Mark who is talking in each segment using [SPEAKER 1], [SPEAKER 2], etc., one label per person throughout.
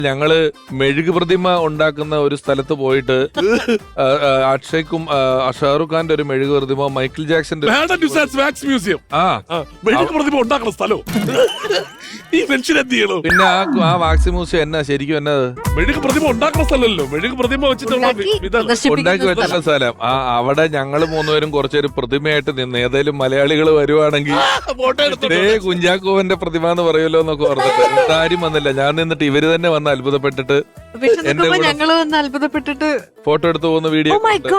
[SPEAKER 1] ഞങ്ങള് മെഴുക് പ്രതിമ ഉണ്ടാക്കുന്ന ഒരു സ്ഥലത്ത് പോയിട്ട് അക്ഷയ്ക്കും ഷാറുഖ് ഖാന്റെ ഒരു മെഴുക് പ്രതിമ, മൈക്കിൾ ജാക്സന്റെ
[SPEAKER 2] വാക്സ് മ്യൂസിയം മെഴുക് പ്രതിമ ഉണ്ടാക്കുന്ന സ്ഥലം. ഈ മനുഷ്യൻ എന്ത് ചെയ്യണോ?
[SPEAKER 1] പിന്നെ ആ വാക്സ് മ്യൂസിയം എന്നാ ശരിക്കും എന്നത്
[SPEAKER 2] മെഴുക് പ്രതിമ ഉണ്ടാക്കുന്ന സ്ഥലമല്ലോ, മെഴുക് പ്രതിമ വെച്ചിട്ടുള്ള
[SPEAKER 1] ഉണ്ടാക്കി വെച്ചിട്ടുള്ള സ്ഥലം. അവിടെ ഞങ്ങള് മൂന്നുപേരും കുറച്ചൊരു പ്രതിമയായിട്ട് നിന്ന് ഏതായാലും മലയാളികൾ വരുവാണെങ്കിൽ കുഞ്ചാക്കോവന്റെ പ്രതിമ എന്ന് പറയുമല്ലോ എന്നൊക്കെ പറഞ്ഞിട്ട് ആരും വന്നില്ല. ഞാൻ നിന്നിട്ട് ഇവര് തന്നെ വന്ന് അത്ഭുതപ്പെട്ടിട്ട്
[SPEAKER 3] ഞങ്ങള് വന്ന് അത്ഭുതപ്പെട്ടിട്ട്
[SPEAKER 1] ഫോട്ടോ എടുത്തു പോകുന്ന വീഡിയോ.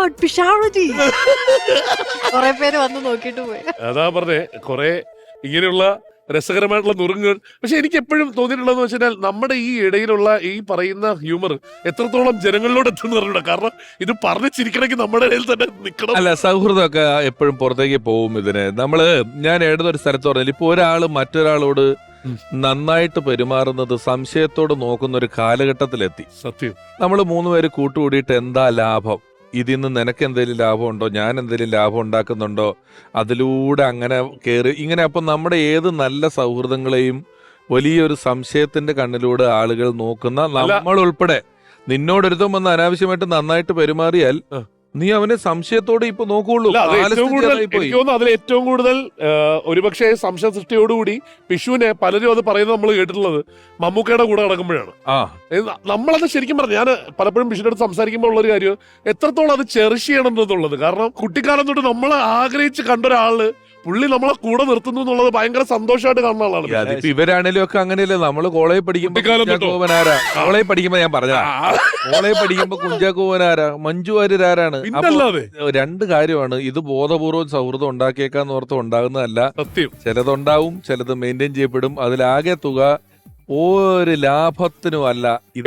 [SPEAKER 3] കൊറേ പേര് വന്ന് നോക്കിട്ട് പോയി.
[SPEAKER 2] അതാ പറഞ്ഞേ, കൊറേ ഇങ്ങനെയുള്ള രസകരമായിട്ടുള്ള നുറുങ്ങുകൾ. പക്ഷെ എനിക്ക് എപ്പോഴും തോന്നിയിട്ടുള്ളതെന്ന് വെച്ചാൽ നമ്മുടെ ഈ ഇടയിലുള്ള ഈ പറയുന്ന ഹ്യൂമർ എത്രത്തോളം ജനങ്ങളിലോട് എത്തുന്ന, കാരണം ഇത് പറഞ്ഞു ചിരിക്കണമെങ്കിൽ നമ്മുടെ ഇടയിൽ തന്നെ നിൽക്കണം.
[SPEAKER 1] അല്ല, സൗഹൃദമൊക്കെ എപ്പോഴും പുറത്തേക്ക് പോവും. ഇതിന് നമ്മള് ഞാൻ ഏതൊരു സ്ഥലത്ത് പറഞ്ഞാൽ ഇപ്പൊ ഒരാള് മറ്റൊരാളോട് നന്നായിട്ട് പെരുമാറുന്നത് സംശയത്തോട് നോക്കുന്ന ഒരു കാലഘട്ടത്തിലെത്തി.
[SPEAKER 2] സത്യം.
[SPEAKER 1] നമ്മൾ മൂന്നുപേര് കൂട്ടുകൂടിയിട്ട് എന്താ ലാഭം, ഇതിൽ നിന്ന് നിനക്ക് എന്തെങ്കിലും ലാഭമുണ്ടോ, ഞാൻ എന്തെങ്കിലും ലാഭം ഉണ്ടാക്കുന്നുണ്ടോ, അതിലൂടെ അങ്ങനെ കയറി ഇങ്ങനെ. അപ്പം നമ്മുടെ ഏത് നല്ല സൗഹൃദങ്ങളെയും വലിയൊരു സംശയത്തിന്റെ കണ്ണിലൂടെ ആളുകൾ നോക്കുന്ന, നമ്മൾ ഉൾപ്പെടെ. നിന്നോടൊരുത്തം വന്ന് അനാവശ്യമായിട്ട് നന്നായിട്ട് പെരുമാറിയാൽ നീ അവനെ സംശയത്തോടെ ഇപ്പൊ നോക്കുള്ളൂ.
[SPEAKER 2] അതിൽ ഏറ്റവും കൂടുതൽ ഒരുപക്ഷെ സംശയ സൃഷ്ടിയോടുകൂടി പിഷുവിനെ പലരും അത് പറയുന്നത് നമ്മൾ കേട്ടിട്ടുള്ളത് മമ്മൂക്കയുടെ കൂടെ നടക്കുമ്പോഴാണ്. നമ്മളത് ശരിക്കും പറഞ്ഞു, ഞാൻ പലപ്പോഴും പിഷുവിന്റെ അടുത്ത് സംസാരിക്കുമ്പോൾ ഉള്ളൊരു കാര്യം എത്രത്തോളം അത് ചെറിഷ് ചെയ്യണം എന്നുള്ളത്. കാരണം കുട്ടിക്കാലം തൊട്ട് നമ്മൾ ആഗ്രഹിച്ച് കണ്ടൊരാള് പുള്ളി നമ്മളെ കൂടെ നിർത്തുന്നു എന്നുള്ളത് ഭയങ്കര സന്തോഷമായിട്ട് കാണുന്ന ആളാണ്.
[SPEAKER 1] ഇവരാണേലും ഒക്കെ അങ്ങനെയല്ലേ. നമ്മള് കോളേജ് പഠിക്കുമ്പോ കോളേജ് പഠിക്കുമ്പോ ഞാൻ പറഞ്ഞ കോളേജ് പഠിക്കുമ്പോ കുഞ്ചാക്കോവനാരാ, മഞ്ജു വാര്യരാരാണ്. രണ്ട് കാര്യമാണ്, ഇത് ബോധപൂർവ്വം സൗഹൃദം ഉണ്ടാക്കിയേക്കാന്ന് ഓർത്ത് ഉണ്ടാകുന്നതല്ല. ചിലതുണ്ടാവും, ചിലത് മെയിൻറ്റെയിൻ ചെയ്യപ്പെടും. അതിലാകെ തുക ഒരു ലാഭത്തിനും അല്ല.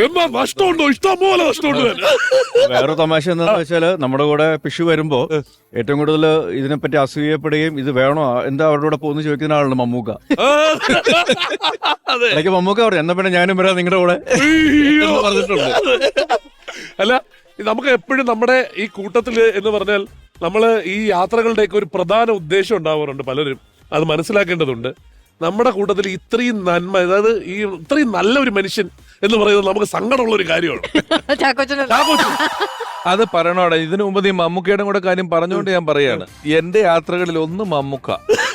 [SPEAKER 4] വേറെ തമാശ എന്താണെന്ന് വെച്ചാല് നമ്മുടെ കൂടെ പിഷു വരുമ്പോ ഏറ്റവും കൂടുതൽ ഇതിനെപ്പറ്റി അസൂയപ്പെടുകയും ഇത് വേണോ എന്താ അവരുടെ കൂടെ പോകുന്ന ചോദിക്കുന്ന ആളാണ് മമ്മൂക്ക. ഇടയ്ക്ക് മമ്മൂക്ക പറഞ്ഞു എന്നാ പിന്നെ ഞാനും വരാം നിങ്ങളുടെ കൂടെ പറഞ്ഞിട്ടുണ്ട്.
[SPEAKER 2] അല്ല, നമുക്ക് എപ്പോഴും നമ്മുടെ ഈ കൂട്ടത്തില് എന്ന് പറഞ്ഞാൽ നമ്മള് ഈ യാത്രകളുടെയൊക്കെ ഒരു പ്രധാന ഉദ്ദേശം ഉണ്ടാവാറുണ്ട്. പലരും അത് മനസ്സിലാക്കേണ്ടതുണ്ട്. നമ്മുടെ കൂട്ടത്തിൽ ഇത്രയും നന്മ, അതായത് ഈ ഇത്രയും നല്ല ഒരു മനുഷ്യൻ എന്ന് പറയുന്നത് നമുക്ക് സങ്കടമുള്ള ഒരു കാര്യമാണ്.
[SPEAKER 1] അത് പറയണോടെ. ഇതിനു മുമ്പ് നീ മമ്മൂക്കയുടെ കൂടെ കാര്യം പറഞ്ഞുകൊണ്ട് ഞാൻ പറയാണ്, എന്റെ യാത്രകളിൽ ഒന്ന് മമ്മൂക്ക,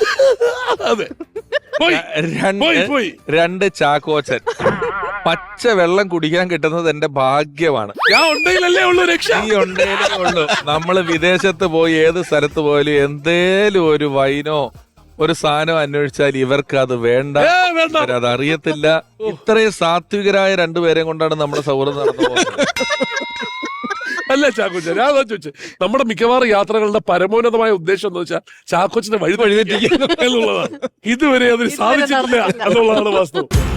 [SPEAKER 1] രണ്ട് ചാക്കോച്ചൻ, പച്ച വെള്ളം കുടിക്കാൻ കിട്ടുന്നത് എന്റെ ഭാഗ്യമാണ്. ഈ ഉണ്ടേലേ ഉള്ളൂ. നമ്മള് വിദേശത്ത് പോയി ഏത് സ്ഥലത്ത് പോയാലും എന്തേലും ഒരു വൈനോ ഒരു സാധനം അന്വേഷിച്ചാൽ ഇവർക്ക് അത് വേണ്ട, അത് അറിയത്തില്ല. ഇത്രയും സാത്വികരായ രണ്ടുപേരെയും കൊണ്ടാണ് നമ്മുടെ സൗഹൃദം നടന്നു പോകുന്നത്.
[SPEAKER 2] അല്ല ചാക്കോച്ച, ഞാൻ ചോദിച്ചു, നമ്മുടെ മിക്കവാറും യാത്രകളുടെ പരമോന്നതമായ ഉദ്ദേശം എന്ന് വെച്ചാൽ ചാക്കോച്ചിനെ വഴിതെറ്റിക്കുക എന്നുള്ളതാണ്. ഇതുവരെ അതിന് സാധിച്ചിട്ടില്ല എന്നുള്ളതാണ് വാസ്തവം.